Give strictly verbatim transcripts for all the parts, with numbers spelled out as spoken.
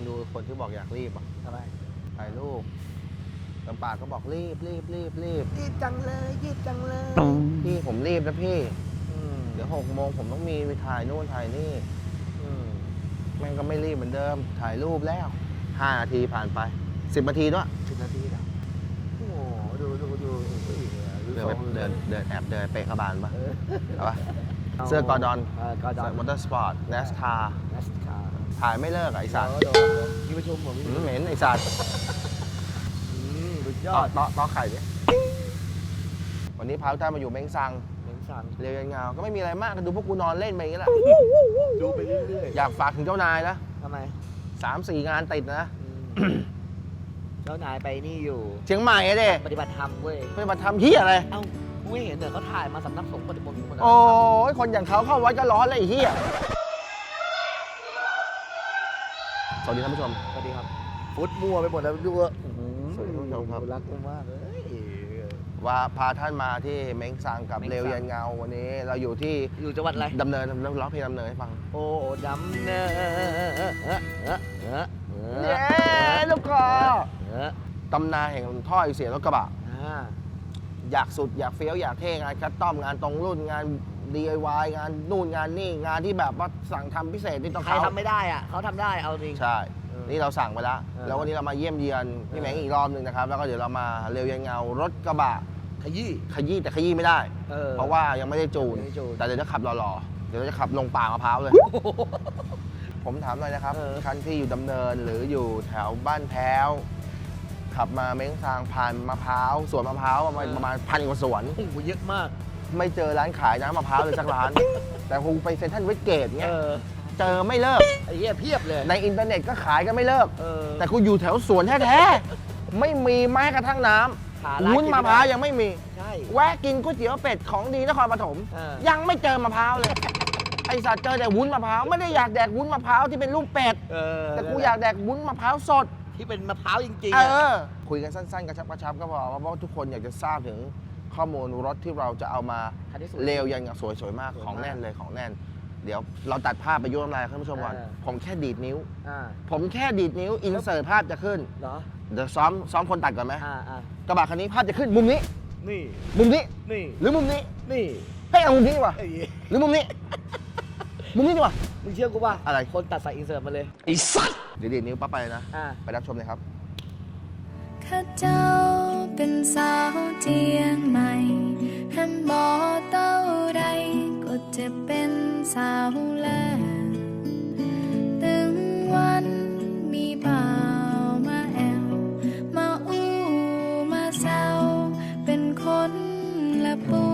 ดูคนที่บอกอยากรีบอ่ะทำไมถ่ายรูปลำปากก็บอกรีบรีบรีบรีบรีบจังเลยรีบจังเลยพี่ผมรีบนะพี่อืมเดี๋ยวหกโมงผมต้องมีไปถ่ายนู่นถ่ายนี่อืมแม่งก็ไม่รีบเหมือนเดิม ถ่ายรูปแล้วห้านาทีผ่านไปสิบนาทีด้วยสิบนาทีแล้วโอ้โหดูดูดูดูอีกเลยเดินไปเดินเดินแอบเดินไปกระบาลปะเออเอาปะเสื้อกอร์ดอนเออกอร์ดอนมอเตอร์สปอร์ตเนสคาร์นัสคาร์ถ่ายไม่เลิกอะไอสัตว์เดี๋ยวเดี๋ยวมีประชุมผมมีอืมเหม็นไอสัตว์อืมสุดยต่ออดต่อต่อไข่ดิวันนี้พาทุกท่านมาอยู่เม้งซังเหม็นสั่งเรียวยันเงาก็ไม่มีอะไรมากก็ดูพวกกูนอนเล่นไปอย่างนี้แหละดูไปเรื่อยอยากฝากถึงเจ้านายนะๆทำไมสามสี่งานติดนะอืมเจ้านายไปนี่อยู่เชียงใหม่อะเด้ปฏิบัติธรรมเว้ยไปมาทำเฮียอะไรเอ้ากูไม่เห็นเดี๋ยวเขาถ่ายมาสำนักสงฆ์ปฏิบัติธรรมโอ้ยคนอย่างเขาเข้าวัดก็ร้อนเลยไอ้เฮียสวัสดีท่านผู้ชมสวัสดีครับฟุตมัวไปหมดแล้วดูว่าสวัสดีคุณผู้ชมครับรักกูมากเลยว่าพาท่านมาที่เม้งซังกับเม้งซังเรียวยันเงาวันนี้เราอยู่ที่อยู่จังหวัดอะไรดำเนินร้องเพลงดำเนินให้ฟังโอ้ดำเนินเย้ลูกคอตำนานแห่งท่อไอเสียรถกระบะอ่าอยากสุดอยากเฟี้ยวอยากเท่งานคัสตอมงานตรงรุ่นงาน ดี ไอ วาย งานนู่นงานนี่งานที่แบบว่าสั่งทำพิเศษนี่ต้องใครเขาทำไม่ได้อ่ะเขาทำได้เอาจริงใช่เออนี่เราสั่งไปแล้วเออแล้ววันนี้เรามาเยี่ยมเยียนพี่เออแมงอีกรอบหนึ่งนะครับแล้วก็เดี๋ยวเรามาเร็วยันเงารถกระบะขยี้ขยี้แต่ขยี้ไม่ได้เออเพราะว่ายังไม่ได้จูนยังไม่ได้จูนแต่เดี๋ยวจะขับหล่อๆเดี๋ยวเราจะขับลงป่ามะพร้าวเลย ผมถามหน่อยนะครับเออคันที่อยู่ดำเนินหรืออยู่แถวบ้านแพ้ว ขับมาเม้งซางผ่านมะพร้าวสวนมะพร้าวประมาณประมาณพันกว่าสวนโอ้โหเยอะมากไม่เจอร้านขายน้ำมะพร้าวเลยสักร้าน แต่คงไปเซ็นทรัลเวสเกตเงี้เอย อเจอไม่เลิกไอ้เหี้ยเพียบเลยในอินเทอร์เน็ตก็ขายกันไม่เลิกเออแต่กูอยู่แถวสวนแท้ๆ ไม่มีแม้กระทั่งน้หาำร้านวุ้นกินมะไม่ได้พร้าวยังไม่มีใช่แวะกินก๋วยเตี๋ยวเป็ดของดีนครปฐมเออยังไม่เจอมะพร้าวเลย ไอสัตว์เจอแต่วุ้นมะพร้าวไม่ได้อยากแดกวุ้นมะพร้าวที่เป็นรูปเป็ดเออแต่กูอยากแดกวุ้นมะพร้าวสดที่เป็นมะพร้าวจริงๆเออะอ คุยกันสั้นๆกระชับกระชับก็พอเพราะว่าทุกคนอยากจะทราบถึงข้อมูลรถที่เราจะเอามาคันที่สุดเร็วยันกับสวยๆมากสวยมากของแน่นเลยของแน่น เดี๋ยวเราตัดภาพไปยุ่งน้ำลายท่านผู้ชมก่อนเออผมแค่ดีดนิ้วอ่าผมแค่ดีดนิ้วอินเสิร์ตภาพจะขึ้นเหรอเดี๋ยวซ้อมซ้อมคนตัดก่อนไหมอ่าอ่ากระบะคันนี้ภาพจะขึ้นมุมนี้นี่มุมนี้นี่หรือมุมนี้นี่เฮ้ยเอามุมนี้ดีกว่าไอ้เหี้ยหรือมุมนี้ มุมนี้ดีกว่ามึงเชื่อกูป่ะอะไรคนตัดใส่อินเสิร์ตมาเลยไอ้สัตว์เดี๋ยวดีดนิ้วปั๊บไปเลยนะอ่าไปรับชมเลยครับข้าเจ้าเป็นสาวเจียงใหม่หันบ่เต้าใดก็จะเป็นสาวแล้วถึงวันมีบ่าวมาแอวมาอู้มาแซวเป็นคนละปู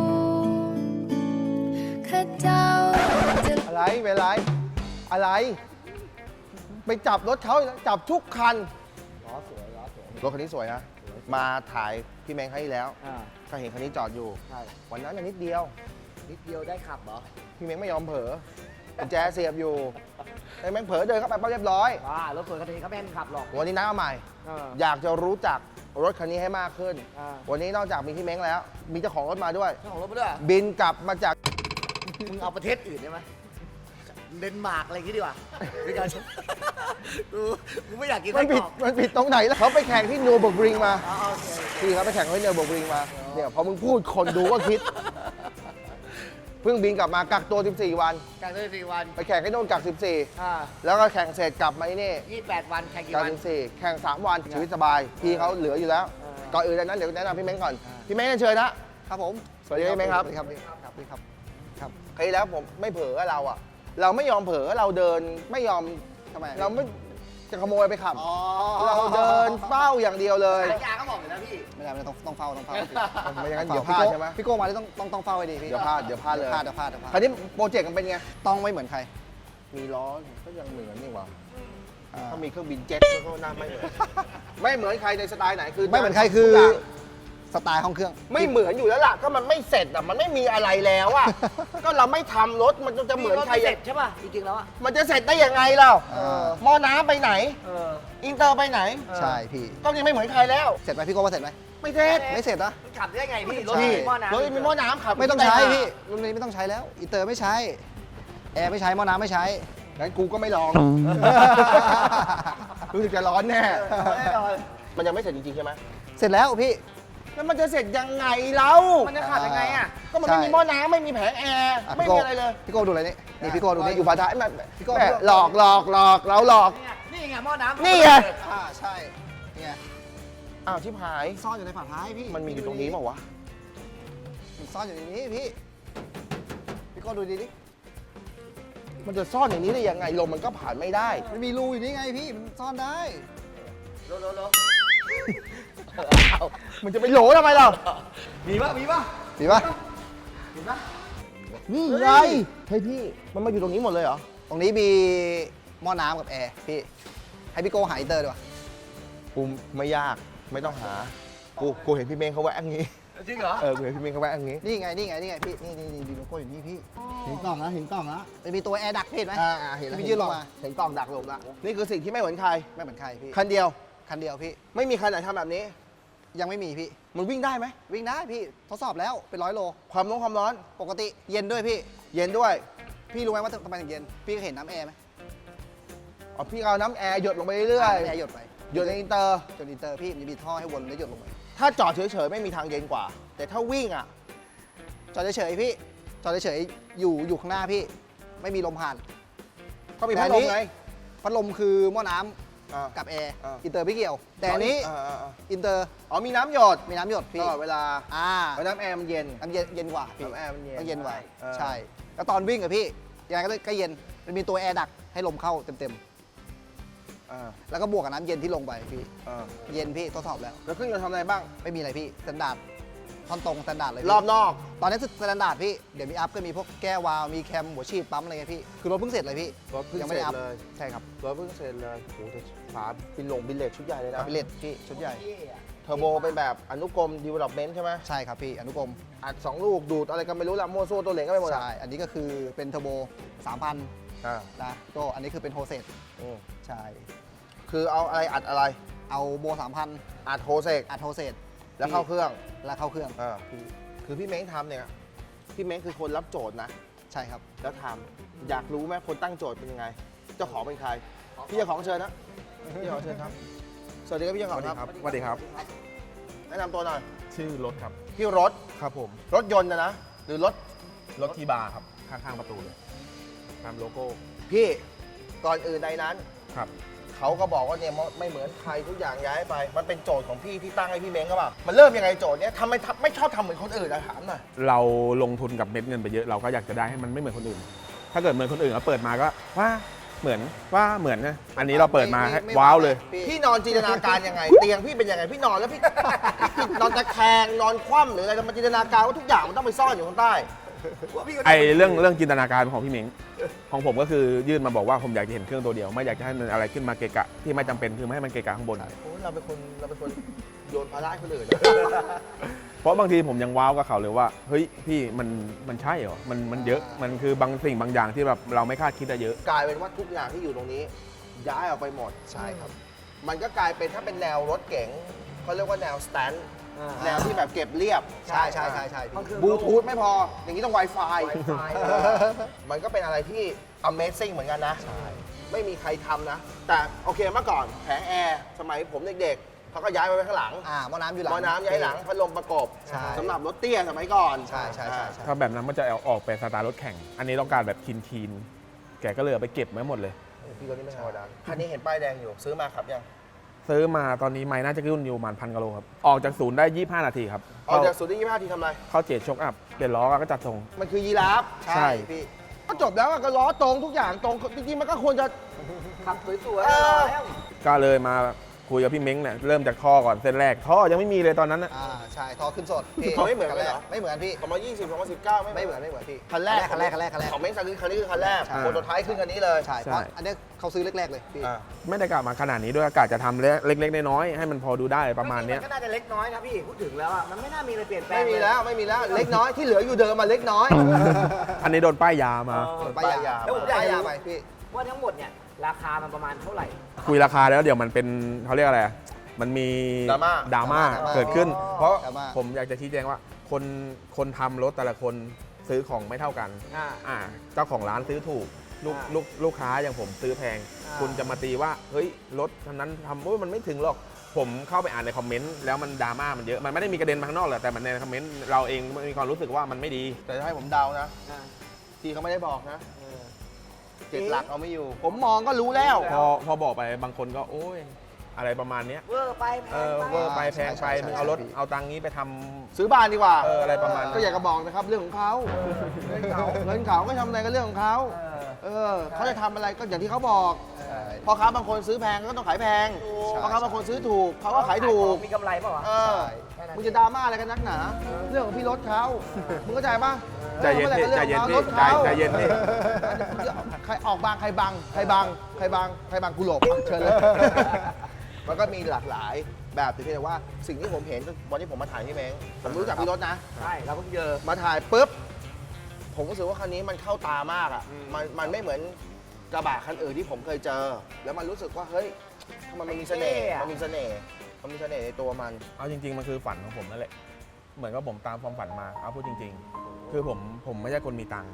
ข้าเจ้าจะอะไรเป็นไร อะไร ไปจับรถเขาอีกแล้วจับทุกคันล้อสวยล้อสวยรถคันนี้สวยนะ มาถ่ายพี่แมงให้แล้วอ่าก็เห็นคันนี้จอดอยู่ใช่วันนั้นน่ะนิดเดียวนิดเดียวได้ขับเหรอพี่แมงไม่ยอมเผลอกุญแจเสียบอยู่ไอ้แมงเผลอเดินเข้าไปปั๊บเรียบร้อยว้ารถสวยคันนี้เขาไม่ให้มึงขับหรอกวันนี้น้าเอาใหม่อ่าอยากจะรู้จักรถคันนี้ให้มากขึ้นอ่าวันนี้นอกจากมีพี่เม้งแล้ว มีเจ้าของรถมาด้วยเจ้าของรถมาด้วยบินกลับมาจากมึงเอาประเทศอื่นได้ไหมเดนมาร์กอะไรอย่างงี้ดีกว่าด้วยกันกูกูไม่อยากกินมัไส้นกผิรดอกมันผิดตรงไหนแล้วเขาไปแข่งที่นูเบิร์กริงมาอ๋อโอเคพี่เขาไปแข่งที่นูเบิร์กริงมา เนี่ยพอมึงพูดคนดูก็คิด เพิ่งบินกลับมากักตัว สิบสี่ วันการได้สี่วันไปแข่งที่โน่นกัก สิบสี่อ่าแล้วก็แข่งเสร็จกลับมาที่นี่ยี่สิบแปดวันแข่งกี่กักวันสิบสี่แข่งสามวันชีวิตสบาย พี่เขาเหลืออยู่แล้วเออก่อนอื่นดังนั้นเดี๋ยวแนะนำพี่เม้งก่อนอ่าพี่เม้งเชิญนะครับผมสวัสดีพี่เม้งครับสวัสดีครับสวัสดีครับครับคราวที่แล้วผมไม่เผลอเราอะเราไม่ยอมเผลอเราเดินไม่ยอมทำไมเราไม่จะขโมยไปขับอ๋อเราเดินเฝ้าอย่างเดียวเลยสัญญาก็บอกอยู่แล้วพี่ไม่ได้ไม่ได้ต้องต้องเฝ้าต้องเฝ้าไม่อย่างนั้นเดี๋ยวพลาดใช่ไหมพี่โก้มาที่ต้องต้องต้องเฝ้าไว้ดีพี่เดี๋ยวพลาดเดี๋ยวพลาดเลยพลาดเดี๋ยวพลาดเดี๋ยวพลาดคราวนี้โปรเจกต์มันเป็นไงต้องไม่เหมือนใครมีล้อก็ยังเหมือนนี่หว่าอ่าถ้ามีเครื่องบินเจ็ตก็น่าไม่เหมือน ไม่เหมือนใครในสไตล์ไหนคือไม่เหมือนใครคือทุกย่างสไตล์ห้องเครื่องไม่เหมือนอยู่แล้วล่ะก็มันไม่เสร็จอ่ะมันไม่มีอะไรแล้วอ่ะ ก็เราไม่ทำรถมันจะเหมือนใครเสร็อ่ะจใช่ป่ะจริงๆแล้วอ่ะมันจะเสร็จได้ยังไงเราเออหม้อน้ำไปไหนเอออินเตอร์ไปไหนใช่พี่ก็ยังไม่เหมือนใครแล้วเสร็จไหมพี่โก้ว่าเสร็จไหมไม่เสร็จไม่เสร็จนะมันขับได้ไงพี่รถใช่มีหม้อน้ำรถมีหม้อน้ำขับไม่ต้องใช้พี่รุ่นนี้ไม่ต้องใช้แล้วอินเตอร์ไม่ใช้แอร์ไม่ใช้หม้อน้ำไม่ใช้องั้นกูก็ไม่ลอง รู้สึกจะร้อนแน่แน่นอนมันยังไม่เสร็จจริงๆใช่ไหมเสร็จแล้วพี่แล้วมันจะเสร็จยังไงเรามันจะขาดยังไงอ่ะก็มันไม่มีหม้อน้ำไม่มีแผงแอร์อ่ะไม่พี่มีโก้อะไรเลยพี่โก้ดูอะไรนี่นี่พี่โก้ดูนี่อยู่ฝาท้ายมันพี่โก้แม่หลอกหลอกหลอกเราหลอกนี่ไงหม้อน้ำนี่ไงอ่าใช่เนี่ยอ้าวชิบหายซ่อนอยู่ในฝาท้ายพี่มันมีอยู่ตรงนี้เปล่าวะมันซ่อนอยู่ในนี้พี่พี่โก้ดูดีดิมันจะซ่อนอย่างนี้ได้ยังไงลมมันก็ผ่านไม่ได้มันมีรูอยู่นี่ไงพี่มันซ่อนได้โลโลโลมันจะไปโหลทำไมเรามีป่ะมีป่ะดีปะมีป่ะนี่ไงเฮ้ยพี่มันมาอยู่ตรงนี้หมดเลยเหรอตรงนี้มีหม้อน้ำกับแอร์พี่ให้พี่โก้หาอินเตอร์ดีกว่ากูไม่ยากไม่ต้องหา กูกูเห็นพี่เมงเขาแวะอย่างนี้จริงเหรอเออกูเห็นพี่เมงเขาแวะอย่างนี้นี่ไงนี่ไงนี่ไงพี่นี่นี่นี่ดูโลโก้อยู่นี่พี่เห็นกล่องนะเห็นกล่องนะมันมีตัวแอร์ดักพี่เห็นไหมอ่าอ่าเห็นแล้วที่เห็ยื่นนกลล่องงมาเห็นกล่องดักลงละนี่คือสิ่งที่ไม่เหมือนใครไม่เหมือนใครพี่คันเดียวคันเดียวพี่ไม่มีคันไหนทำแบบนี้ยังไม่มีพี่มันวิ่งได้ไหมวิ่งได้พี่ทดสอบแล้วเป็นร้อยโลความร้อนความร้อนปกติเย็นด้วยพี่เย็นด้วยพี่รู้ไหมว่าทำไมถึงเย็นพี่ก็เห็นน้ำแอร์ไหมอ๋อพี่เอาน้ำแอร์หยดลงไปเรื่อยน้ำแอร์หยดไปๆหยดในอินเตอร์จนอินเตอร์พี่มันจะมีท่อให้วนแล้วหยดลงไปถ้าจอดเฉยๆไม่มีทางเย็นกว่า แต่ถ้าวิ่งอ่ะจอดเฉยๆพี่จอดเฉยๆอยู่อยู่ข้างหน้าพี่ ไม่มีลมผ่านก็มีพัดลมไงพัดลมคือหม้อน้ำอ่ากับแอร์อ่าอินเตอร์ไม่เกี่ยว แต่อันนี้อ่าอ่าอ่าอินเตอร์อ๋อมีน้ำหยดมีน้ำหยดตพี่ลอดเวลาอ่าเพราะน้ำแอร์มันเย็นน้ำเย็นเย็นกว่าพี่น้ำแอร์มันเย็นต้องเย็นกว่าเออใช่ แล้วตอนวิ่งอะพี่ยังไงก็ก็เย็นมันมีตัวแอร์ดักให้ลมเข้าเต็มอ่าๆแล้วก็บวกกับน้ำเย็นที่ลงไปพี่อ่าเย็นพี่ทดสอบแล้วแล้วเครื่องยนต์ทำอะไรบ้างไม่มีอะไรพี่สแตนดาร์ดท่อนตรงสแตนดาร์ดเลยพี่รอบนอกตอนนี้สแตนดาร์ดพี่เดี๋ยวมีอัพก็มีพวกแก้ววาล์วมีแคมหัวฉีดปั๊มอะไรเงี้ยพี่คือรถเพิ่งเสร็จเลยพี่รถเพิ่งยังไม่ได้อัพเสร็จเลยใช่ครับรถเพิ่งเสร็จเลยโอ้โหแต่ฝาบินลงบินเลทชุดใหญ่เลยนะคาบิเลตพี่ชุดใหญ่เทอร์โบเป็นแบบอนุกรม development ใช่ไหมใช่ครับพี่อนุกรมอัดสองลูกดูดอะไรกันไม่รู้ละมั่วซั่วตัวเหลงก็ไปหมดอะใช่อันนี้ก็คือเป็นเทอร์โบสามพันอ่านะก็อันนี้คือเป็นโฮเซตอืมใช่คือเอาอะไรอัดอะไรเอาโบสามพันอัดโฮเซกอัดโฮเซตแล้วเข้าเครื่องแล้วเข้าเครื่องอ่าคือพี่เม้งทำเนี่ยพี่เม้งคือคนรับโจทย์นะใช่ครับแล้วทำอยากรู้ไหมคนตั้งโจทย์เป็นยังไง เจ้าของเป็นใคร พี่เจ้าของเชิญนะพี่เจ้าของเชิญครับ สวัสดีครับพี่เจ้าของครับสวัสดีครับแนะนำตัวหน่อยชื่อรถครับพี่รถครับผมรถยนต์นะนะ หรือรถรถทีบาร์ครับ ข้างๆประตูเลยตามโลโก้พี่ก่อนอื่นใดนั้นครับเขาก็บอกว่าเนี่ยไม่เหมือนใครทุกอย่างย้ายไป มันเป็นโจทย์ของพี่ที่ตั้งให้พี่เม้งก็เปล่ามันเริ่มยังไงโจทย์เนี้ยทำไมทำไม่ชอบทำเหมือนคนอื่นอะถามหน่อยเราลงทุนกับเม็ดเงินไปเยอะ เราก็อยากจะได้ให้มันไม่เหมือนคนอื่น ถ้าเกิดเหมือนคนอื่นเราเปิดมาก็ว่าเหมือนว่าเหมือนนะอันนี้เราเปิดมาให้ไไว้าวเลยพี่พี่นอนจินตนาการยังไง เตียงพี่เป็นยังไงพี่นอนแล้วพี่ พี่นอนตะแคงนอนคว่ำหรืออะไรมันจินตนาการว่าทุกอย่างมันต้องไปซ่อนอยู่ข้างใต้ไอเรื่องเรื่องจินตนาการของพี่เม้งของผมก็คือยื่นมาบอกว่าผมอยากจะเห็นเครื่องตัวเดียว ไม่อยากจะให้มันอะไรขึ้นมาเกะกะที่ไม่จำเป็นคือไม่ให้มันเกะกะข้างบนโอ้ยเราเป็นคนเราเป็นคนโยนภาระให้คนอื่นเพราะบางทีผมยังว้าวกับเขาเลยว่าเฮ้ยพี่มันมันใช่เหรอมันมันเยอะมันคือบางสิ่งบางอย่างที่แบบเราไม่คาดคิดอะเยอะกลายเป็นว่าทุกอย่างที่อยู่ตรงนี้ ย้ายออกไปหมดใช่ครับมันก็กลายเป็นถ้าเป็นแนวรถเก๋งเขาเรียกว่าแนวสแตนด์แนวที่แบบเก็บเรียบใช่ใช่ใช่ใช่พี่บลูทูธไม่พอ อย่างนี้ต้อง Wi-Fi มันก็เป็นอะไรที่ Amazing เหมือนกันนะ ไม่มีใครทำนะ แต่โอเคเมื่อก่อนแผงแอร์สมัยผมเล็กๆเขาก็ย้ายไปไว้ข้างหลังอ่าหม้อน้ำอยู่หลังหม้อน้ำย้ายหลังพัดลมประกบใช่สำหรับรถเตี้ยสมัยก่อนใช่ใช่ใช่ใช่ถ้าแบบนั้นมันจะเอาออกเป็นสไตล์รถแข่ง อันนี้ต้องการแบบคีนคีนๆแกก็เลยเอาไปเก็บไว้หมดเลยโอ้พี่รถนี่ไม่ธรรมดาคันนี้เห็นป้ายแดงอยู่ซื้อมาขับยังซื้อมาตอนนี้ไม้น่าจะขึ้นอยู่ประมาณพันกิโลครับ ออกจากศูนย์ได้ยี่สิบห้านาทีครับออกจากศูนย์ที่ยี่สิบห้าทีทำอะไรเข้าเจดช็อคอัพเปลี่ยนล้อก็จัดทรงมันคือยีราฟใช่ใช่พี่ก็จบแล้วอะก็ล้อตรงทุกอย่างตรงจริงๆมันก็ควรจะขับสวยเออๆแล้วก็เลยมาคุยกับพี่เม้งเนี่ยเริ่มจากท่อก่อนเส้นแรกท่อยังไม่มีเลยตอนนั้นนะอ่าใช่ท่อขึ้นสดพี่เขาไม่เหมือนกันเลยเหรอไม่เหมือนพี่สองพันยี่สิบ สองพันสิบเก้าไม่เหมือนไม่เหมือนพี่คันแรกคันแรกคันแรกคันแรกของเม้งซังคือคันนี้คือคันแรกใช่โปรโตไทป์ขึ้นคันนี้เลยใช่เพราะอันเนี้ยเขาซื้อแรกๆเลยพี่อ่าไม่ได้กะมาขนาดนี้ด้วยกะจะทำเล็กๆน้อยๆให้มันพอดูได้ประมาณเนี้ยมันก็น่าจะเล็กน้อยนะพี่ พูดถึงแล้วอ่ะ มันไม่น่ามีอะไรเปลี่ยนแปลงไม่มีแล้วไม่มีแล้วเล็กน้อยที่เหลืออยู่เดิมมาเล็กน้อยอันนี้โดนป้ายยามาเออป้ายยาแล้วผมอยากป้ายจะยารู้ไปพี่ว่าทั้งหมดเนี่ย ราคามันประมาณเท่าไหร่คุยราคาแล้วเดี๋ยวมันเป็นเขาเรียกอะไรอะมันมีดราม่าดราม่าดราม่าเกิดขึ้นอ๋อเพราะดราม่าผมอยากจะชี้แจงว่าคนคนทำรถแต่ละคนซื้อของไม่เท่ากันอ่าอ่าเจ้าของร้านซื้อถูกลูกอ่าลูกลูกค้าอย่างผมซื้อแพงอ่าคุณจะมาตีว่าเฮ้ยรถคันนั้นทำโอ้ยมันไม่ถึงหรอกผมเข้าไปอ่านในคอมเมนต์แล้วมันดราม่ามันเยอะมันไม่ได้มีกระเด็นมาข้างนอกหรอกแต่มันในคอมเมนต์เราเองมีความรู้สึกว่ามันไม่ดีแต่ถ้าให้ผมเดานะอ่าที่เขาไม่ได้บอกนะเออเจ็ดหลักเอาไม่อยู่ ผมมองก็รู้แล้วพอพอบอกไปบางคนก็โอ้ยอะไรประมาณเนี้ยเวอร์ไปแพเอง อไปเวอร์ไปแพงไปใช่ใช่มึงเอารถใช่เอาตังค์นี้ไปทำซื้อบ้านดีกว่าเอออะไรประมาณนั้นก็อยากจะบอกนะครับเรื่องของเขาเงินเขาเงินเขาก็ทำอะไรก็เรื่องของเขาเออเออเขาจะทำอะไรก็อย่างที่เขาบอกใช่พ่อค้าบางคนซื้อแพงก็ต้องขายแพงถูกพ่อค้าบางคนซื้อถูกเขาก็ขายถูกมีกำไรเปล่าวะเออแค่นั้นมึงจะดราม่าอะไรกันนักหนา เรื่องของพี่รถเขามึงเข้าใจปะใจเย็นพี่ใจเย็นพี่รถใจเขาใจเย็นพี่ใครออกบางใครบังใครบังใครบังใครบังกูหลบอ่ะเชิญเลย มันก็มีหลากหลายแบบแต่เพียงแต่ว่าสิ่งที่ผมเห็นวันที่ผมมาถ่ายพี่เม้งผมรู้จักพี่รถนะใช่เราเพิ่งเจอมาถ่ายปุ๊บ ผมรู้สึกว่าคันนี้มันเข้าตามากอ่ะ มันมันไม่เหมือนกระบะคันอื่นที่ผมเคยเจอ แล้วมันรู้สึกว่าเฮ้ยทำไมมันมีเสน่ห์เท่อะมันมีเสน่ห์มันมีเสน่ห์ในตัวมันเอาจริง ๆ มันคือฝันของผมนั่นแหละ เหมือนกับผมตามความฝันมา เอาพูดจริง ๆ คือผมผมไม่ใช่คนมีตังค์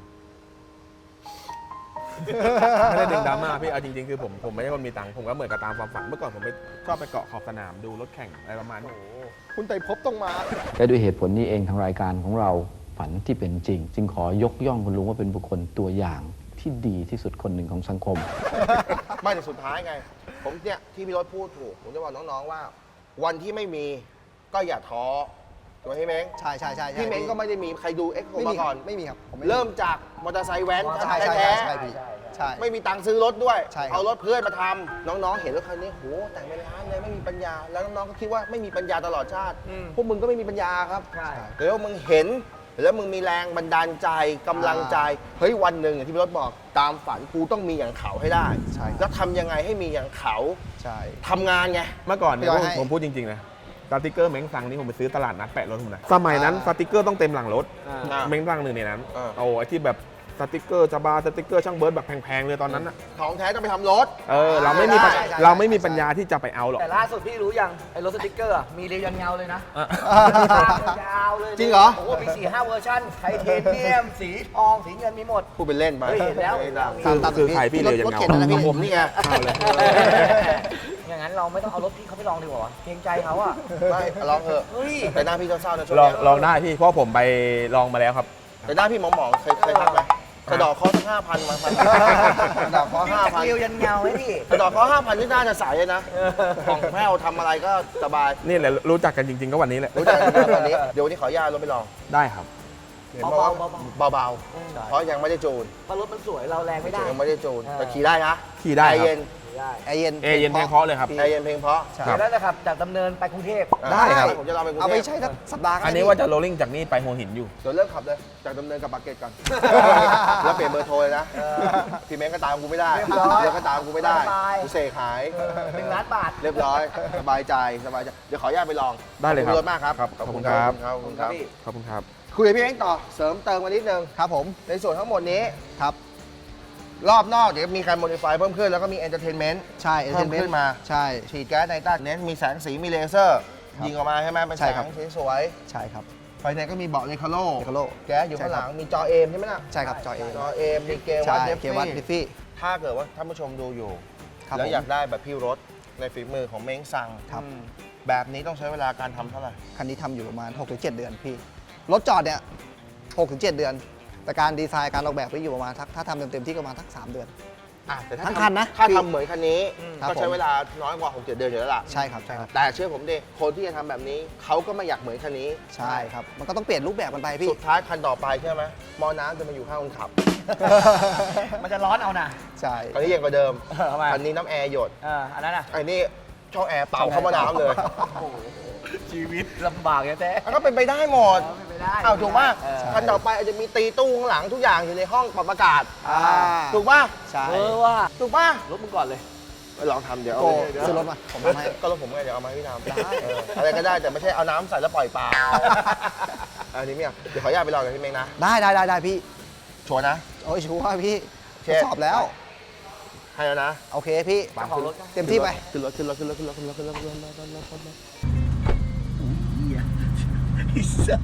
ไม่ได้ดึงดราม่าพี่ เอาจริงๆ คือผมผมไม่ใช่คนมีตังค์ ผมก็เหมือนกับตามความฝัน เมื่อก่อนผมไปชอบไปเกาะขอบสนามดูรถแข่งอะไรประมาณนี้คุณไต่ภพต้องมาและด้วยเหตุผลนี้เองทางรายการของเราฝันที่เป็นจริง จึงขอยกย่องคุณลุงว่าเป็นบุคคลตัวอย่างที่ดีที่สุดคนหนึ่งของสังคมไม่แต่สุดท้ายไง ผมเนี่ยที่พี่รถพูดถูก ผมจะบอกน้องๆว่า วันที่ไม่มีก็อย่าท้อถูกไหมพี่เม้งใช่ใช่ใช่ใช่พี่เม้งก็ไม่ได้มีใครดูเอ็กโคไม่มามีก่อนไม่มีครับผมไเริ่มจากมอเตอร์ไซค์แว้นใช่ใช่แท้ใช่ๆใช่พี่ใช่ไม่มีตังค์ซื้อรถด้วยใช่ครับเอารถเพื่อนมาทำน้องๆ เห็นรถคันนี้โหแต่งเป็นล้านเลยไม่มีปัญญา แล้วน้องๆ ก็คิดว่าไม่มีปัญญาตลอดชาติอืมพวกมึงก็ไม่มีปัญญาครับใช่เดี๋ยวมึงเห็น แล้วมึงมีแรงบันดาลใจกำลังใจ เฮ้ยวันหนึ่งอย่างที่พี่รถบอกตามฝันกูต้องมีอย่างเขาให้ได้ใช่แล้วทำยังไงให้มีอย่างเขาใช่ทำงานไงเมื่อก่อนเนี่ยพี่ผมให้ผมพูดจริงๆนะสติกเกอร์เม้งซังนี่ผมไปซื้อตลาดนัดแปะรถผมนะ สมัยนั้นสติกเกอร์ต้องเต็มหลังรถอ่าเม้งซังหนึ่งในนั้นอ่าโอ้ไอที่แบบสติกเกอร์จะบาสติกเกอร์ช่างเบิร์ดแบบแพงๆเลยตอนนั้นอะของแท้ต้องไปทำรถเออเราไม่มีปัญใช่ใช่เราไม่มีปัญญาที่จะไปเอาหรอกแต่ล่าสุดพี่รู้ยัง ไอ้รถสติ๊กเกอร์อะมีเรียวยันเงาเลยนะอ่ะยาวเลยจริงเหรอโอ้โหมีสี่ห้าเวอร์ชันไทเทเนียม สีทอง สีเงินมีหมดพูดเป็นเล่นไปเฮ้ยเห็นแล้วไม่ได้คือตามคือพี่ใครพี่รถเรียวยันรถเงาเข็นอะไรพี่ผมนี่ไงเอาเลยอย่างนั้นเราไม่ต้องเอารถพี่เขาไปลองดีกว่าวะเกรงใจเขาอ่ะไม่ลองเถอะเฮ้ยแต่หน้าพี่เศร้าๆนะช่วงลองเนี้ยลองได้พี่เพราะผมไปลองมาแล้วครับแต่หน้าพี่หมองๆเคยเคยทักไหมกระดอกคอสักห้าพันมาพันกระดอกคอห้าพันเรียวยันเงาไหมพี่กระดอกคอห้าพันนี่น่าจะใสเลยนะของแพ้วทำอะไรก็สบายนี่แหละรู้จักกันจริง ๆ ก็วันนี้แหละรู้จักกันวันนี้ เดี๋ยววันนี้ขออนุญาตรถไปลองได้ครับเห็นบอกว่าเบาเบาๆ เพราะยังไม่ได้จูนเพราะรถมันสวยเราแรงไม่ได้ยังไม่ได้จูนเออแต่ขี่ได้นะขี่ได้ใจครับเย็นได้แอร์เย็นเอเย็นเพลงเพราะเลยครับใจเย็นเพลงเพราะใช่ครับแล้วนะครับ จากดำเนินไปกรุงเทพได้ครับผมจะลองไปกรุงเอาเทไปพใช้สักสัปดาห์ก็อันนี้ได้ว่าจะโรลลิ่งจากนี่ไปหัวหินอยู่เดี๋ยวเริ่มขับเลย จากดำเนินกับปากเกร็ดก่อน แล้วเปลี่ยนเบอร์โทรเลยนะ พี่เม้งก็ตามกูไม่ได้เรียบร้อยเดี๋ยวก็ตามกูไม่ได้สบายกูเสกหายหนึ่งล้านบาทเรียบร้อย สบายใจ สบายใจ เดี๋ยวขออนุญาตไปลองได้เลยครับขอบคุณรถมากครับครับขอบคุณครับขอบคุณครับพี่ขอบคุณครับคุยกับพี่เม้งต่อ เสริมเติมมานิดนึงครับผมในส่วนทั้งหมดนี้ครับรอบนอกเดี๋ยวมีการโมดิฟายเพิ่มขึ้น แล้วก็มีเอนเตอร์เทนเมนต์ใช่เพิ่มขึ้นมาใช่ฉีดแก๊สไนตรัสเน้นมีแสงสีมีเลเซอร์ครับยิงออกมาใช่ไหมเป็นใช่แสครับงสีสวยใช่ครับภายในก็มีเบาะเลคาโล Recaro แก๊สอยู่ข้างหลังมีจอเอมใช่ไหมล่ะใช่ครับจอเอจอเอมมีเกมวัใช่ดเดฟเกมวัดดิฟฟี่ฟี่ถ้าเกิดว่าท่านผู้ชมดูอยู่ครับแล้วผมอยากได้แบบพี่รถในฝีมือของเม้งซังครับแบบนี้ต้องใช้เวลาการทำเท่าไหร่คันนี้ทำอยู่ประมาณ หกถึงเจ็ด เดือนพี่ รถจอดเนี่ย หกถึงเจ็ด เดือน แต่การดีไซน์การออกแบบไปอยู่ประมาณทักถ้าทำเต็มๆที่ก็ประมาณทักสามเดือนอ่ะแต่ถ้าทั้งทำคันนะถ้าพี่ทำเหมือนคันนี้ครับก็ใช้ผมเวลาน้อยกว่าหกเจ็ดเดือนอยู่แล้วล่ะใช่ครับ ใช่ครับแต่เชื่อผมดิคนที่จะทำแบบนี้เขาก็ไม่อยากเหมือนคันนี้ใช่ครับ มันก็ต้องเปลี่ยนรูปแบบกันไปพี่สุดท้ายคันต่อไปใช่ไหมมอน้ำจะมาอยู่ข้างคนขับมันจะร้อนเอานะใช่คันนี้ยังกว่าเดิมเออทำไมคันนี้น้ำแอร์หยดเอออันนั้นอ่ะไอ้นี่ช่องแอร์เป่าเข้ามาน้ำเลยชีวิตลำบากแท้มันก็เป็นไปได้หมดไม่ไปได้อ้าวถูกป่ะเออคันต่อไปอาจจะมีตีตู้ข้างหลังทุกอย่างอยู่ในห้องปรับอากาศอ่าถูกป่ะใช่เออว่าถูกป่ะรถมึงก่อนเลยไปลองทำเดี๋ยวเอาโกไปซื้อรถมา ผมทำให้ก็รถผมไงเดี๋ยวเอามาให้พี่ทำได้เอออะไรก็ได้แต่ไม่ใช่เอาน้ำใส่แล้วปล่อยปลาอันนี้เนี่ยเดี๋ยวขออนุญาตไปลองกับพี่เม้งนะได้ได้ได้ได้พี่ชัวร์นะโอ้ยชัวร์พี่เชทฟดสอบแล้วให้แล้วนะโอเคพี่เจ้าของรถก็เต็มที่ไปขึ้นรถขึ้นรถขึ้นรถขึ้นรถขึ้นรถขึ้นรถขึ้นรถขึ้นรถขึ้นรถขึ้นรถ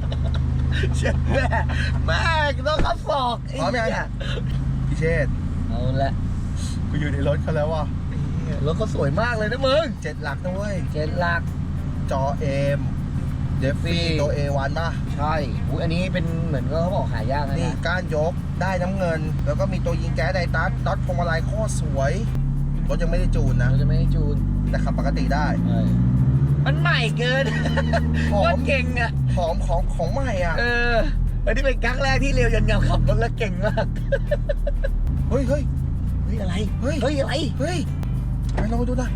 เช็ดแม่แม่ต้องขับศอกพร้อมยังพี่เชษฐ์เอาละกูอยู่ในรถเขาแล้วว่ะรถเขาสวยมากเลยนะมึงเจ็ดหลักนะเว้ยเจ็ดหลักจอเอมเดฟฟี่ตัว เอ วัน ป่ะใช่อุ๊ยอันนี้เป็นเหมือนก็เขาบอกหายากนะนี่ก้านยกได้น้ำเงิน แล้วก็มีตัวยิงแก๊สไดตัสน็อตพวงมาลัยโคตรสวย รถยังไม่ได้จูนนะเราจะไม่ได้จูนแต่ขับปกติได้มันใหม่เกินหอมโคตรเก่งอ่ะหอมของของใหม่อ่ะเอออันนี้เป็นครั้งแรกที่เร็วยันเงาขับรถแล้วเก่งมากเฮ้ยเฮ้ยเฮ้ยอะไรเฮ้ยเฮ้ยอะไรเฮ้ยไปลองไปดูหน่อย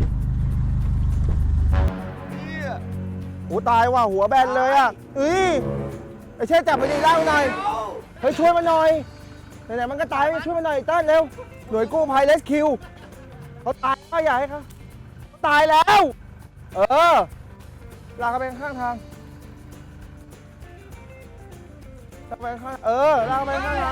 โอ้ตายว่ะหัวแบนเลยอ่ะเฮ้ยไอ้เช่จับไปดีล่างหน่อยเฮ้ยช่วยมันหน่อยไหนๆมันก็ตายช่วยมันหน่อยเต้นเร็วหน่วยกู้ภัยเรสคิวเขาตายก็ใหญ่ครับเขาตายแล้ว เออลากเขาไปข้างทางลากไปข้างเออลากไปข้างทาง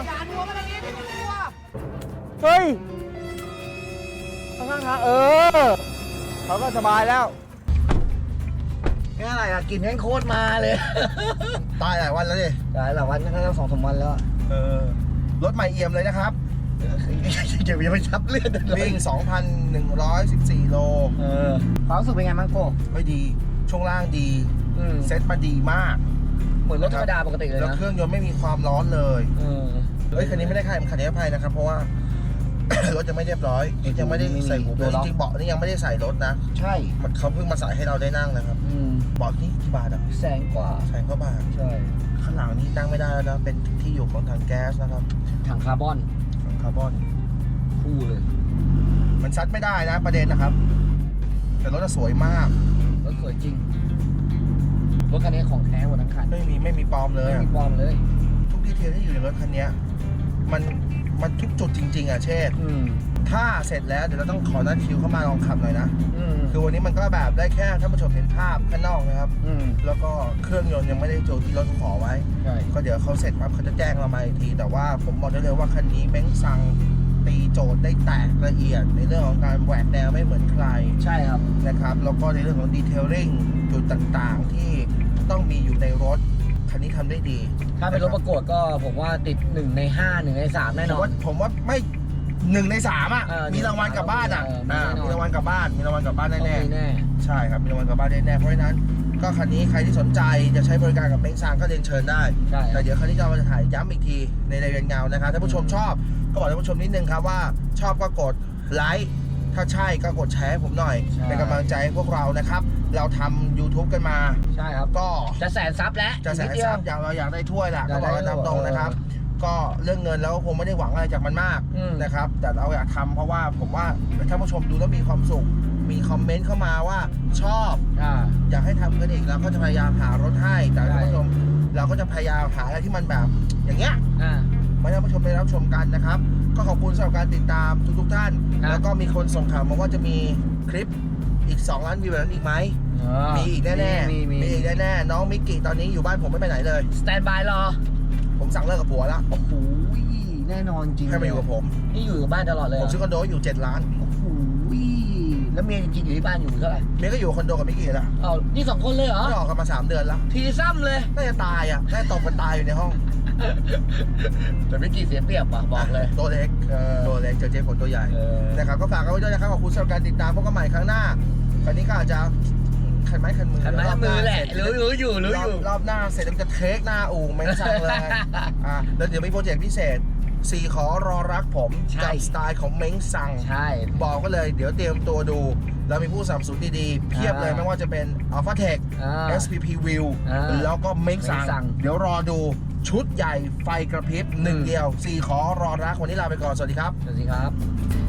เฮ้ยข้างทางเออเขาก็สบายแล้วแค่อะไรอ่ะกลินแห้งโคตรมาเลยตายหลายวันแล้วดิหลายหลายวันก็สองสามวันแล้วเออรถใหม่เอี่ยมเลยนะครับเดี๋ยวอย่าไปชับเลือดเลยวิ่ง สองพันหนึ่งร้อยสิบสี่ โลเออความรู้สึกเป็นไงบ้างโก้เฮ้ยดี ช่วงล่างดีอืมเซ็ตมาดีมากเหมือนรถธรรมดาปกติเลยแล้วนะเครื่องยนต์ไม่มีความร้อนเลยเออเฮ้ยคันนี้ไม่ได้ค่ายคันนี้ภัยนะครับ เพราะว่า รถยังไม่เรียบร้อย ยังไม่ได้ใส่หูเบลจริงๆเบาะนี่ยังไม่ได้ใส่รถนะใช่มันเขาเพิ่งมาใส่ให้เราได้นั่งนะครับอืมเบาะนี่กี่บาทอ่ะแสนกว่าแสนกว่าบาทใช่ข้างหลังนี่นั่งไม่ได้แล้วนะ เป็นที่อยู่ของถังแก๊สนะครับถังคาร์บอนถังคาร์บอนคู่เลยมันซัดไม่ได้นะประเด็นนะครับ แต่รถจะสวยมากรถสวยจริงรถคันนี้ของแท้หมดทั้งคันไม่มีไม่มีปลอมเลยไม่อะมีปลอมเลยทุกดีเทลที่อยู่ในรถคันเนี้ยมันมันทุกจุดจริง ๆ อ่ะเช่นอืมถ้าเสร็จแล้วเดี๋ยวเราต้องขอนัดคิวเข้ามาลองขับหน่อยนะอืมคือวันนี้มันก็แบบได้แค่ท่านผู้ชมเห็นภาพข้างนอกนะครับอืมแล้วก็เครื่องยนต์ยังไม่ได้จูนที่รถขอไว้ใช่ก็เดี๋ยวเขาเสร็จปั๊บเขาจะแจ้งเรามาอีกที แต่ว่าผมบอกได้เลยว่าคันนี้เบ้งซังตีโจทย์ได้แตกละเอียด ในเรื่องของการแหวกแนวไม่เหมือนใครใช่ครับนะครับ แล้วก็ในเรื่องของดีเทลลิ่งจุดต่างๆ ที่ต้องมีอยู่ในรถคันนี้ทำได้ดีถ้าเป็นรถประกวดก็ผมว่าติดหนึ่งในห้าหนึ่งในสามแน่ผนมอนว่าผมว่าไม่หนึ่งในสามอ่ะเออมีรางวัลกลับบ้านอ่ะเออมีอ่าแน่นอนมีรางวัลกลับบ้านมีรางวัลกลับบ้านต้องแน่มีแน่ๆใช่ครับมีรางวัลกลับบ้านแน่ๆเพราะฉะนั้นก็คันนี้ใครที่สนใจจะใช้บริการกับเม้งซางก็เรียนเชิญได้ใช่คแต่รับเดี๋ยวครั้นี้เราจะถ่ายย้ำอีกทีในรายการเงานะครับถ้าผู้ชมชอบก็บอกท่านผู้ชมนิดนึงครับว่าชอบก็กดไลค์ถ้าใช่ก็กดแชร์ให้ผมหน่อยใช่เป็นกำลังใจให้พวกเรานะครับ เราทำ YouTube กันมาใช่ครับก็จะแสนซับแล้วจะแสนนิดเดียวซับอยากเราอยากได้ถ้วยแหละอยาก็กบได้อกกันตามตรงนะครับเออก็เรื่องเงินแล้วก็คงไม่ได้หวังอะไรจากมันมากอืมนะครับแต่เราอยากทำเพราะว่าผมว่าถ้าผู้ชมดูแล้วมีความสุขมีคอมเมนต์เข้ามาว่าชอบอ่าอยากให้ทำกันอีกเราก็จะพยายามหารถให้แต่ใช่ท่านผู้ชมเราก็จะพยายามหาอะไรที่มันแบบ อย่างเงี้ยอ่ามาให้ท่านผู้ชมได้รับชมกันนะครับ ก็ขอบคุณสำหรับการติดตามทุกๆท่านครับแล้วก็มีคนส่งข่าวมาว่าจะมีคลิปอีก สอง ล้านวิวแบบนั้นอีกไหม มีอีกแน่ๆมีมีมีอีกแน่ๆน้องมิกกี้ตอนนี้อยู่บ้านผมไม่ไปไหนเลยสแตนบายรอผมสั่งเลิกกับผัวแล้วโอ้โหแน่นอนจริงให้มาอยู่กับผมนี่อยู่กับบ้านตลอดเลยผมซื้อคอนโดอยู่เจ็ดล้านโอ้โหแล้วเมียจริงๆอยู่ที่บ้านอยู่เท่าไหร่เมียก็อยู่คอนโดกับมิกกี้แล้วอ้าวนี่สองคนเลยเหรอไม่ออกกันมาสามเดือนแล้วทีซ้ำเลยน่าจะตายอ่ะน่าจะตกกันตายอยู่ในห้องแต่ไม่กี่เสียเปรียบว่ะบอกเลยตัวเล็กเออตัวเล็กเจอเจ๊ฝนตัวใหญ่เออนะครับก็ฝากกันไว้ด้วยนะครับขอบคุณสำหรับการติดตามพบกันใหม่ครั้งหน้าคราวนี้ก็อาจจะขันไม้ขันมือขันไม้ขันมือแหละรอบรู้รู้อยู่รู้อยู่รอบหน้าเสร็จแล้วจะเทคหน้าอู่ไม่สั่งเลย อ่ะแล้วเดี๋ยวมีโปรเจกต์พิเศษสี่ขอรอรักผมใช่กับสไตล์ของเม้งซังใช่บอกก็เลยเดี๋ยวเตรียมตัวดู เรามีผู้สนับสนุนดีๆ เพียบเลยอ่าไม่ว่าจะเป็น Alpha Tech อ่าเอส พี พี View อ่าแล้วก็เม้งซังเม้งซังเดี๋ยวรอดูชุดใหญ่ไฟกระพริบหนึ่งอืมเดียวสี่ขอรอรักวันนี้ลาไปก่อนสวัสดีครับสวัสดีครับ